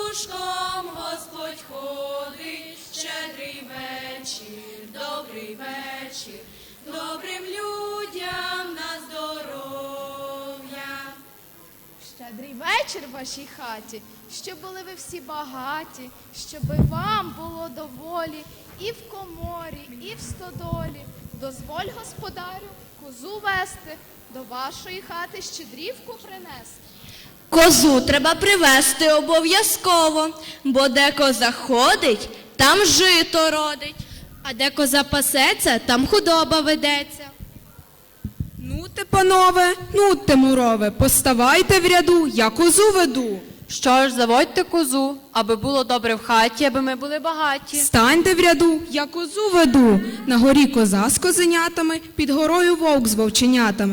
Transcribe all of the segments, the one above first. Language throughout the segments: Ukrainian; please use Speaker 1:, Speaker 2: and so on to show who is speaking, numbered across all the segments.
Speaker 1: пушком Господь ходить, щедрий вечір, добрий вечір, добрим людям на здоров'я.
Speaker 2: Щедрий вечір в вашій хаті, щоб були ви всі багаті, щоби вам було доволі і в коморі, і в стодолі. Дозволь, господарю, козу вести, до вашої хати щедрівку принести.
Speaker 3: Козу треба привезти обов'язково, бо де коза ходить, там жито родить. А де коза пасеться, там худоба ведеться.
Speaker 4: Нуте, панове, нуте, мурове, поставайте в ряду, я козу веду.
Speaker 5: Що ж, заводьте козу, аби було добре в хаті, аби ми були багаті.
Speaker 4: Станьте в ряду, я козу веду. На горі коза з козенятами, під горою вовк з вовченятами.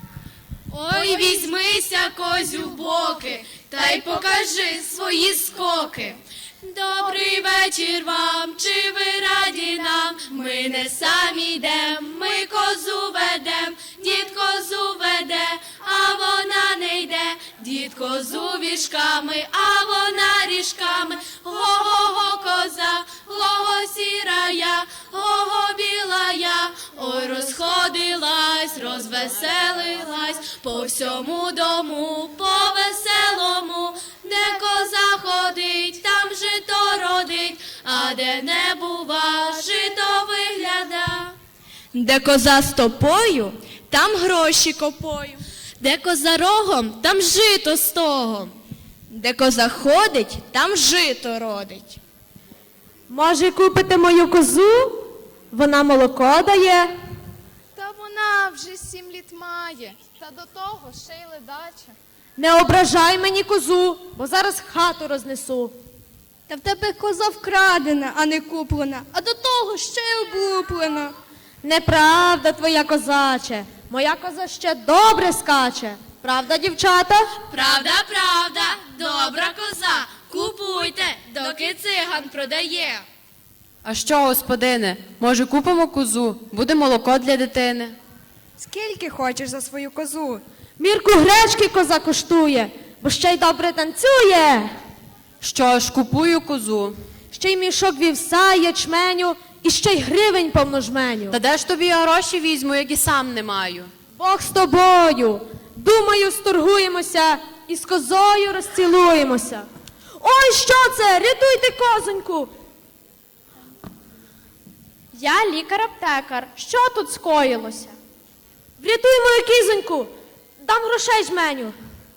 Speaker 1: Ой, візьмися, козю, в боки, та й покажи свої скоки. Добрий вечір вам, чи ви раді нам? Ми не самі йдем, ми козу ведем, дід козу веде, а вона не йде. Дід козу віжками, а вона ріжками. Го-го-го коза, го-го сіра я, го-го біла я. Ой, розходилась, розвеселилась, по всьому дому, по веселому. Де коза ходить, там жито родить, а де не бува, жито вигляда.
Speaker 3: Де коза стопою, там гроші копою. Де коза рогом, там жито стогом. Де коза ходить, там жито родить.
Speaker 6: Може, купите мою козу? Вона молоко дає.
Speaker 2: Та вона вже 7 літ має, та до того ще й ледача.
Speaker 6: Не ображай мені козу, бо зараз хату рознесу.
Speaker 7: Та в тебе коза вкрадена, а не куплена, а до того ще й облуплена.
Speaker 6: Неправда твоя, козаче. Моя коза ще добре скаче. Правда, дівчата?
Speaker 1: Правда, правда, добра коза, купуйте, доки циган продає.
Speaker 5: А що, господине, може купимо козу, буде молоко для дитини?
Speaker 7: Скільки хочеш за свою козу?
Speaker 6: Мірку гречки коза коштує, бо ще й добре танцює.
Speaker 5: Що ж, купую козу.
Speaker 6: Ще й мішок вівса, ячменю, і ще й гривень повно жменю.
Speaker 5: Та де ж тобі я гроші візьму, як і сам не маю?
Speaker 6: Бог з тобою. Думаю, сторгуємося і з козою розцілуємося. Ой, що це? Рятуйте козоньку.
Speaker 2: Я лікар-аптекар. Що тут скоїлося?
Speaker 6: Врятуй мою кізоньку. Дам грошей жменю.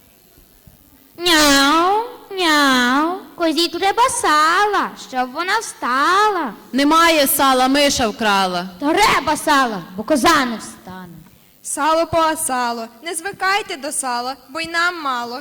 Speaker 8: Няу, няу, козі треба сала, щоб вона встала.
Speaker 5: Немає сала, миша вкрала.
Speaker 8: Треба сала, бо коза не встане.
Speaker 7: Сало поасало, не звикайте до сала, бо й нам мало.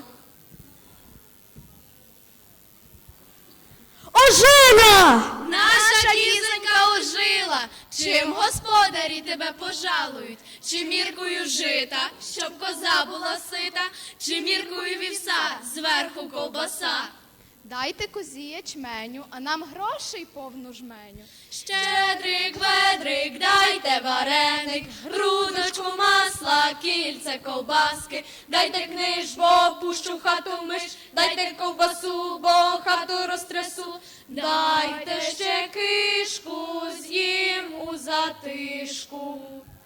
Speaker 6: Ожила!
Speaker 1: Наша кізонька ожила, чим господарі тебе пожалують? Чи міркою жита, щоб коза була сита, чи міркою вівса, зверху ковбаса?
Speaker 2: Дайте козі ячменю, а нам грошей повну жменю.
Speaker 1: Щедрик, ведрик, дайте вареник, грудочку масла, кільце ковбаски, дайте книж, бо пущу в хату миш, дайте ковбасу, бо хату розтрясу, дайте ще кишку, з'їм у затишку.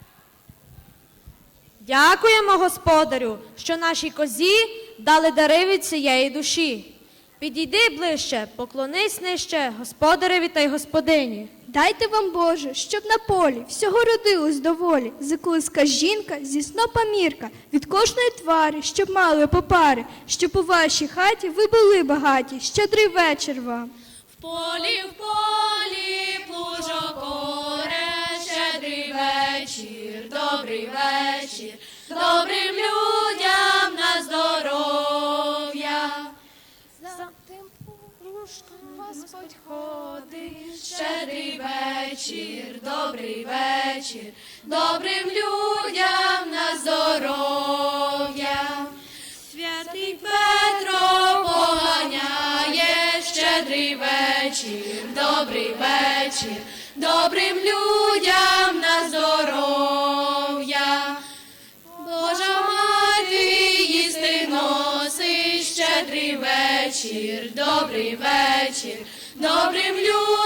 Speaker 6: Дякуємо, господарю, що нашій козі дали дари від цієї душі. Підійди ближче, поклонись нижче господареві та й господині.
Speaker 7: Дайте вам, Боже, щоб на полі всього родилось доволі. Заколиска жінка зі снопа мірка, від кожної твари, щоб мали по пари, щоб у вашій хаті ви були багаті. Щедрий вечір вам.
Speaker 1: В полі плужок оре, щедрий вечір, добрий вечір, добрим людям на здоров'я.
Speaker 2: За тим порушком Господь ходить.
Speaker 1: Щедрий вечір, добрий вечір, добрим людям на здоров'я. Святий Петро поганяє, щедрий вечір, добрий вечір, добрим людям на здоров'я. Божа мати їсти носить, щедрий вечір. вечір, добрий вечір, добрим людям